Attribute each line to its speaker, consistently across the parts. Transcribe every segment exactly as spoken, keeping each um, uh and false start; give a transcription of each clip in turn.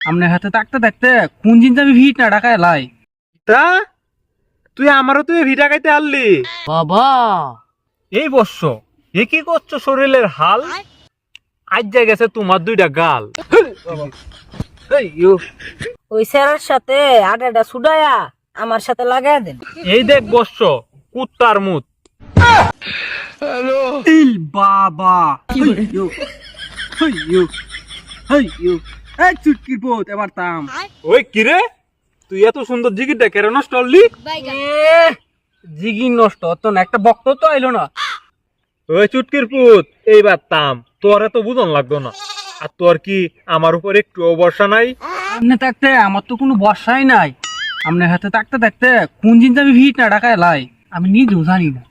Speaker 1: আমনে হাতে থাকতে থাকতে কোন জিনিস আমি ভিট না ঢাকায় লাই
Speaker 2: তা তুই আমারও তুই ভিটা খাইতে আনলি
Speaker 1: বাবা।
Speaker 2: এই বর্ষ এ কি করছো শরীরের হাল আজ যা গেছে তোমার দুইটা গাল
Speaker 1: এই ইউ
Speaker 3: ওই স্যারের সাথে আটাটা সুডায়া আমার সাথে লাগাই দেন।
Speaker 2: এই দেখ বর্ষ কুত্তার মুত
Speaker 1: ইল বাবা you hey you hey you এই চুটকির পোত এবার তাম
Speaker 2: ওই কিরে তুই এত সুন্দর জিগিরটা কেন নষ্ট করলি
Speaker 1: এ জিগি নষ্ট তো না একটা বক্ত তো আইলো না।
Speaker 2: ওই চুটকির পুত এইবার তাম তোর এত বুঝন লাগতো না আর তোর কি আমার উপর একটু ভরসা নাই
Speaker 1: আমনে থাকতে আমার তো কোনো বর্ষাই নাই। আমনে হাতে থাকতে থাকতে কোন জিনিস আমি ভিট না ঢাকায় লাই আমি নিজেও জানি না।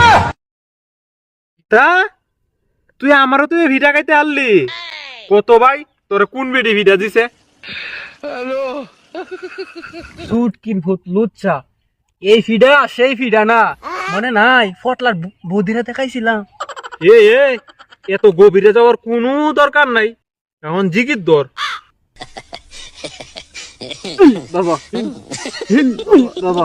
Speaker 2: তা তুই আমারও তুই ভিটা খাইতে আনলি কত ভাই তোর কোন বেডি ভিটা দিছে
Speaker 1: চুটকির ভূত লুচ্চা এই ফিডা সেই ফিডা না মনে নাই ফটলার বৌদিরা দেখাইছিলাম।
Speaker 2: এ এ এত গভীরে যাওয়ার কোনো দরকার নাই এখন জিগির দর
Speaker 1: বাবা বাবা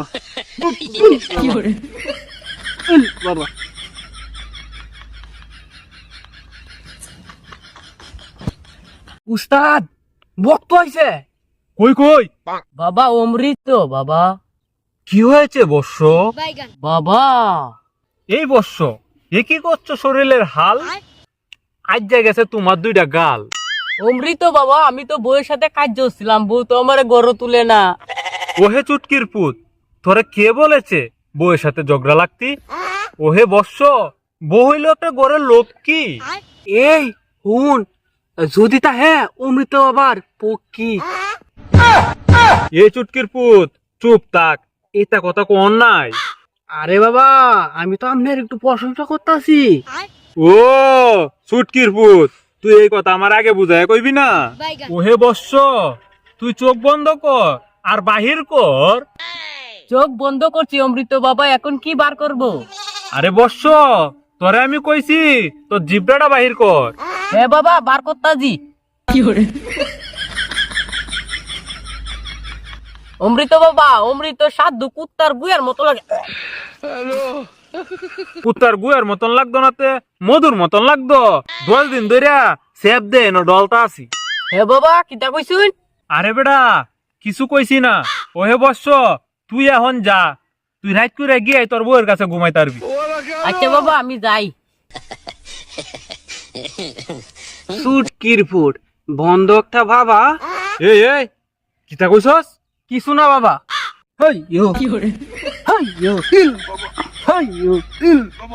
Speaker 1: বাবা উস্তাদ বক্ত হইছে
Speaker 2: কই কই
Speaker 3: বাবা অমৃত বাবা।
Speaker 2: কি হয়েছে বর্ষ
Speaker 3: বাবা
Speaker 2: এই বর্ষ এ কি করছো শরীরের হাল আজ যা গেছে তোমার দুইটা গাল
Speaker 3: অমৃত বাবা, আমি তো বউয়ের সাথে কাজ করছিলাম, বউ তো আমার গড় তুলে না।
Speaker 2: ওহে চুটকির পুত তোরে কে বলেছে বউয়ের সাথে ঝগড়া লাগতি ওহে বর্ষ বউ হইল একটা গড়ের লোক কি
Speaker 1: এই হুন যদি তা হ্যাঁ অমৃত আবার পক্ষী।
Speaker 2: এই চুটকির পুত চুপ থাক এটা কথা কোন নাই
Speaker 1: আরে বাবা আমি তো আপনার একটু প্রশংসা করতেছি।
Speaker 2: ও চুটকির পুত তুই এই কথা আমার আগে বুঝায় কইবি না ওহে বর্ষ তুই চোখ বন্ধ কর আর বাহির কর
Speaker 3: চোখ বন্ধ করছি অমৃত বাবা, এখন কি বার করব?
Speaker 2: আরে বর্ষ তোরে আমি কইছি তোর জিব্রাটা বাহির কর
Speaker 3: হ্যাঁ বাবা বার করতাজি। অমৃত বাবা, অমৃত সাধু কুত্তার গুয়ার মতো লাগে।
Speaker 2: কুত্তার গুয়ের মতন লাগতো নাতে মধুর মতন লাগতো দশ দিন ধরিয়া সেব দে ন ডলতা আছি।
Speaker 3: হ্যাঁ বাবা কিতা কইছুন?
Speaker 2: আরে বেটা কিছু কইছি না ওহে বর্ষ তুই এখন যা তুই রাত করে গিয়ে তোর বউয়ের কাছে ঘুমাই তারবি।
Speaker 3: আচ্ছা বাবা আমি যাই।
Speaker 1: চুটকির ফুট বন্ধকটা বাবা
Speaker 2: এই এই কিতা কইছস
Speaker 1: কিছু না বাবা। হেই ইউ হেই ইউ ইল বাবা হেই ইউ ইল বাবা।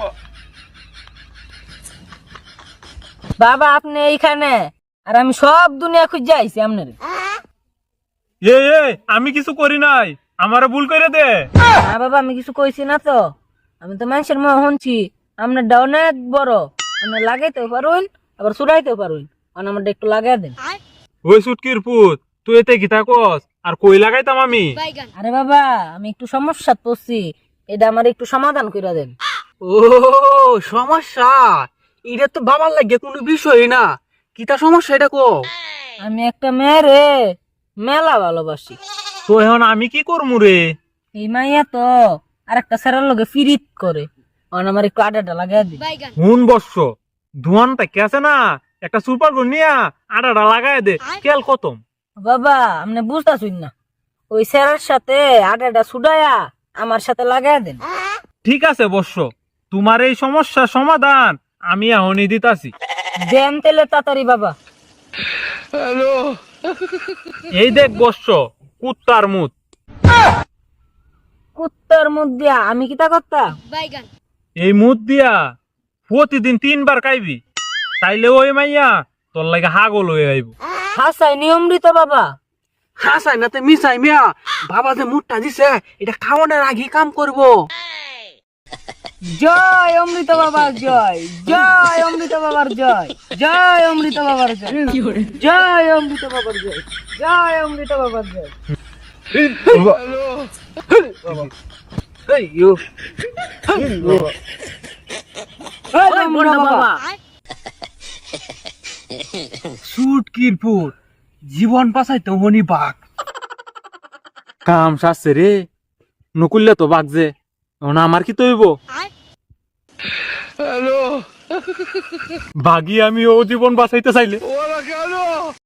Speaker 3: বাবা আপনি এইখানে আর আমি সব দুনিয়া খুঁজে আইছি আপনার।
Speaker 2: এই এই আমি কিছু করি নাই আমারে ভুল করে দে।
Speaker 3: না বাবা আমি কিছু কইছি না তো, আমি তো মানুষের মনে শুনছি আপনার ডাও অনেক বড়, আপনি লাগাইতেও পারুন আবার চুরাইতেও পারুন, আমার একটু লাগাই দেন।
Speaker 2: ওই সুটকির পুত তুই এতে গীতা কস আর কই লাগাইতাম আমি।
Speaker 3: আরে বাবা আমি একটু সমস্যা পড়ছি, এটা আমার একটু সমাধান করে দেন।
Speaker 1: ও সমস্যা এটা তো বাবার লাগে কোনো বিষয় না, কিতা সমস্যা এটা কো।
Speaker 3: আমি একটা মেয়েরে মেলা ভালোবাসি,
Speaker 2: তো এখন আমি কি করমু রে?
Speaker 3: এই মাইয়া তো আর একটা স্যারের লগে ফিরিত করে, আমার একটু আডাটা লাগাই দিন।
Speaker 2: হুন বর্ষ ধোয়ানটা কে আছে না একটা সুপার গুন নিয়া আটাটা লাগাই দে কেল খতম।
Speaker 3: বাবা আপনি বুঝতেছুন না, ওই স্যারের সাথে আডাটা ছুডায়া আমার সাথে লাগাই দেন।
Speaker 2: ঠিক আছে বর্ষ তোমার এই সমস্যার সমাধান আমি এখনই দিতাছি।
Speaker 3: দেন তেলে তাড়াতাড়ি বাবা।
Speaker 2: এই দেখ বর্ষ কুত্তার মুত
Speaker 3: কুত্তার মধ্যে আমি কিতা করতাম?
Speaker 2: এই মুত দিয়া প্রতিদিন তিনবার খাইবি তাইলে ওই মাইয়া তোর লাগে হাগল হয়ে আইব।
Speaker 3: হাসাই নিয়মৃত বাবা।
Speaker 1: হাসাই না তে মিসাই মিয়া বাবা যে মুটটা দিছে এটা খাওয়ানোর আগে কাম করব।
Speaker 3: জয় অমৃত বাবার জয়, জয় অমৃত বাবার জয়, জয় অমৃত বাবার জয়, জয় অমৃত বাবার জয়, জয় অমৃত বাবার জয়।
Speaker 1: হেই ইউ হেই বাবা
Speaker 3: ওই বড় বাবা
Speaker 1: চুটকির ফুট জীবন বাঁচাইতে হনি বাঘ।
Speaker 2: কাম সারছে রে, নকুললে তো বাঘ যে, এখন আমার কি তৈব? বাঘি আমি ও জীবন বাঁচাইতে চাইলে